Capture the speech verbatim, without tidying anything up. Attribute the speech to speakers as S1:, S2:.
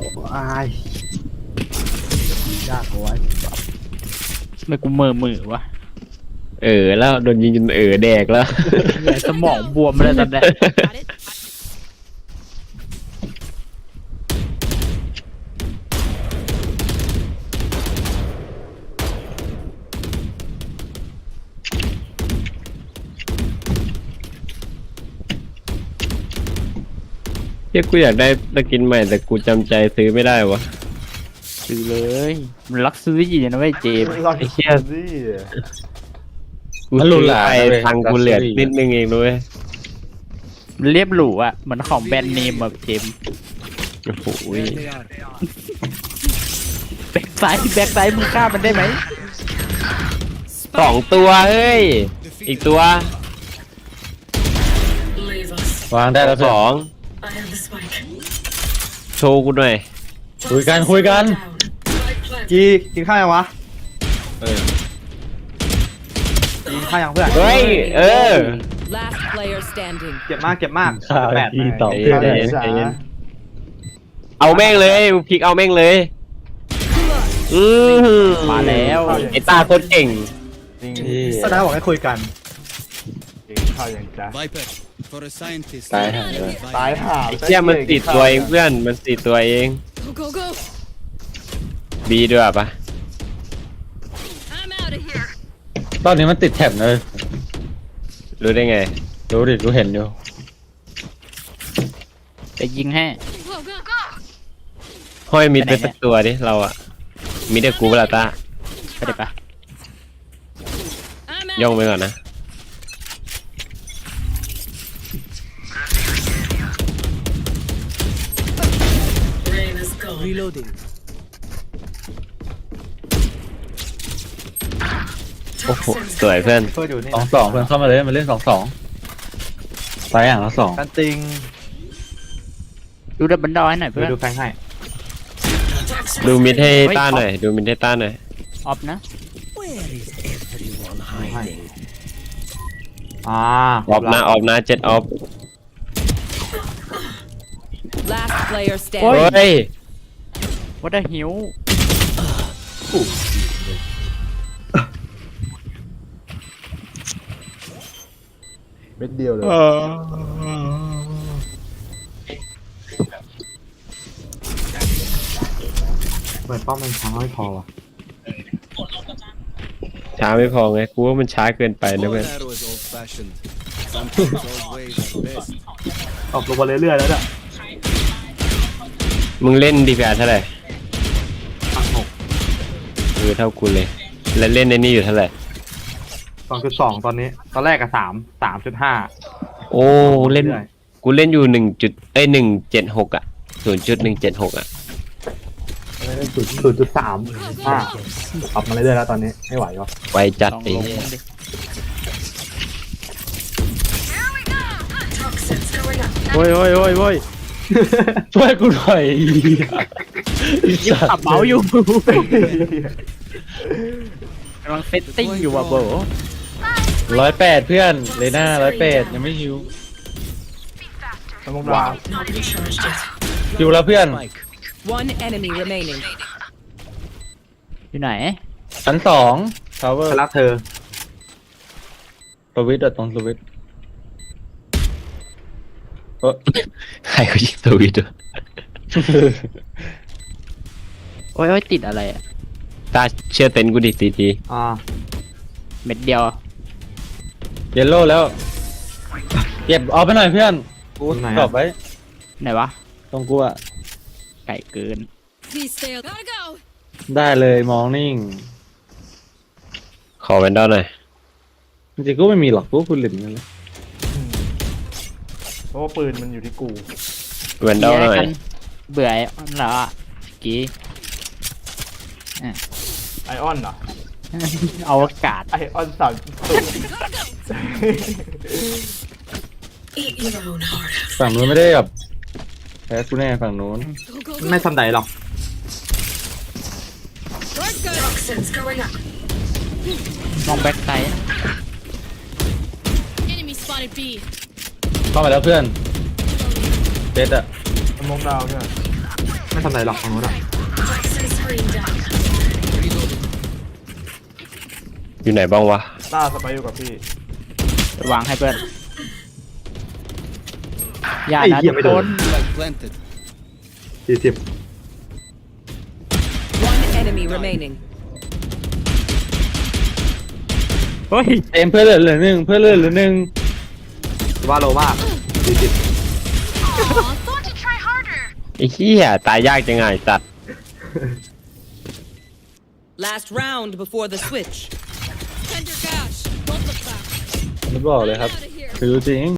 S1: อายยากกว่า
S2: ไม่กูมือมือวะ
S3: เออแล้วโดนยิงจนเออแดกแล้ว
S2: สมองบวมเลยตอนนี้
S3: เฮ้ยกูอยากได้สกินใหม่แต่กูจำใจซื้อไม่ได้วะ
S2: ซื้อเลยมันรักซื้อยี่นะเว้ยเจม
S1: ไอ้เชี่ยสิ
S3: กูซื้อไปทางกูเหลือนิดนึงเองด้วย
S2: มันเรียบหรูอ่ะเหมือนของแบรนด์เนมแบบเจม
S3: โอ้โห
S2: แบ็คไซด์แบ็คไซด์มึงฆ่ามันได้ไหม
S3: สองตัวเฮ้ยอีกตัว
S4: วางได้แล้ว
S3: สองโชว์กูหน่อย
S4: คุยกันคุยกัน
S1: กีกินข้าวยังวะ
S4: เออ
S1: กินข้าวยังเพื่อน
S3: เฮ้ยเออ
S1: เก็บมากเก็บมากแปด
S4: ต่อ
S3: เอาแม่งเลยพลิกเอาแม่งเลยอือ
S2: มาแล้ว
S3: ไอ้ตาโคตรเก่ง
S1: แสดงบอกให้คุยกันกินข้าวยังจ้า
S4: ตายห่าเลย
S1: ตายห่า
S3: ไอ้เชี่ยมันติดตัวเองเพื่อนมันติดตัวเองบีด้วยปะ
S4: ตอนนี้มันติดแท็บเลย
S3: รู้ได้ไง
S4: รู้ดิรู้เห็นอยู่
S2: จะยิงให้
S3: ห้อยมิดไปสักตัวดิเราอะมิดเดกูเวลาตา
S2: ไปได้ปะ
S3: ย่องไปก่อนนะโอ้โหสวยเพื่อน
S4: สองสองเพื่อนเข้ามาเลยมาเล่นสองสองไปอย่างละสอง
S1: กันติง
S2: ดูดับเบิลดอยหน่อยเพื่อน
S1: ดูแฟงให้
S3: ดูมิดให้ต้าหน่อยดูมิดให้ต้าหน่อย
S2: ออฟนะ
S1: อ่า
S3: ออฟนะออฟนะเจ็ดออฟโอ้ย
S2: วัดได้หิว
S1: เม็ดเดียวเลยเหมือนป้อมมันช้าไม่พอว่ะ
S3: ช้าไม่พอไงกูว่ามันช้าเกินไปนะเพื่อน
S1: ออกลงมาเรื่อยๆแล้วเนี่ย
S3: มึงเล่นดีพีอาร์เท่าไหร่
S1: พันหก
S3: เออเท่ากูเลยแล้วเล่นในนี่อยู่เท่าไหร่
S1: สองจุดสองตอนนี้ตอนแรกกับสามสามจุดห้า
S3: โอ้เล่นกูเล่นอยู่หนึ่งจุดเอ้ยหนึ่งเจ็ดหกอ่ะศูนย์จุดหนึ่งเจ็ดหกอ่ะ
S1: ศูนย์ศูนย์จุดสามห้าปรับมาเรื่อยๆแล้วตอนนี้ไม่ไหวก็
S3: ไวจัดไอ้
S2: โอ้ยโอ้ยโอ้ยโอ้ย
S4: ช่วยกูหน่อย
S2: ยังขับเมาส์อยู่กำลังเซตติ้งอยู่ว่ะโบ
S4: ร้อยแปดเพื่อนเลยหน้าร้อยแปดยังไม่ฮิว
S1: ว้าว
S4: ฮิวแล้วเพื่อน
S2: อยู่ไหน
S4: ชั้นสองทาวเวอร์
S1: รักเธอ
S4: สวิตต์ตรงสวิตต์
S3: ใครเขายิงสวิตต์
S2: โอ้ยโอ้ยติดอะไรอ่ะ
S3: ตาเชื่อเต็นกูดิตีที
S1: อ่า
S2: เม็ดเดียว
S4: เยลโล่แล้วเก็บเอาไปหน่อยเพื่อนกูตอบไว้
S2: ไหนวะ
S4: ตรงกูอะ
S2: ไก่เกิน
S4: ได้เลยมองนิ่ง
S3: ขอแวนด้าหน่อย
S4: จริงๆก็ไม่มีหรอกกูคุณหลินนั่นแหละ
S1: เพราะว่าปืนมันอยู่ที่กู
S3: แวนด้าหน่อย
S2: เบื่อไอออนแล้วอ่ะกี้
S1: ไอออนเหรอ
S2: เอาอากาศ
S1: ไอออนสาม
S4: ฝั่งนู้นไม่ได้แบบแพ้กูแน่ฝั่งนู้น
S1: ไม่ทำไหนหรอก
S2: มองแบ็คไซด์
S4: เข้ามาแล้วเพื่อนเจ็ดอะ
S1: มองดาวเนี่ยไม่ทำอะไรหรอกของโน้นอ่ะ
S3: อยู่ไหนบ้างวะ
S5: ต้าสไปอยู่กับพี่
S2: วางให้เพื่อนอย่า
S1: ไอ้
S2: นะ
S1: เหี้
S2: ทุ
S1: ย
S2: ก
S1: ไม่
S2: ค
S1: โดน
S2: น
S6: planted.
S1: สี่สิบ
S7: One enemy remaining.
S2: เฮ้ย
S4: เอ็มเพื่อนเหลือเหลือหนึ่งเพื่อนเหลือเหลือหนึ่ง
S1: ว่าโลมากสี่สิบ
S3: ไอ้เหี้ยตายยากจังไงสัตว์
S7: Last round before the switch.
S4: ไม่บอกเลยครับคือจริง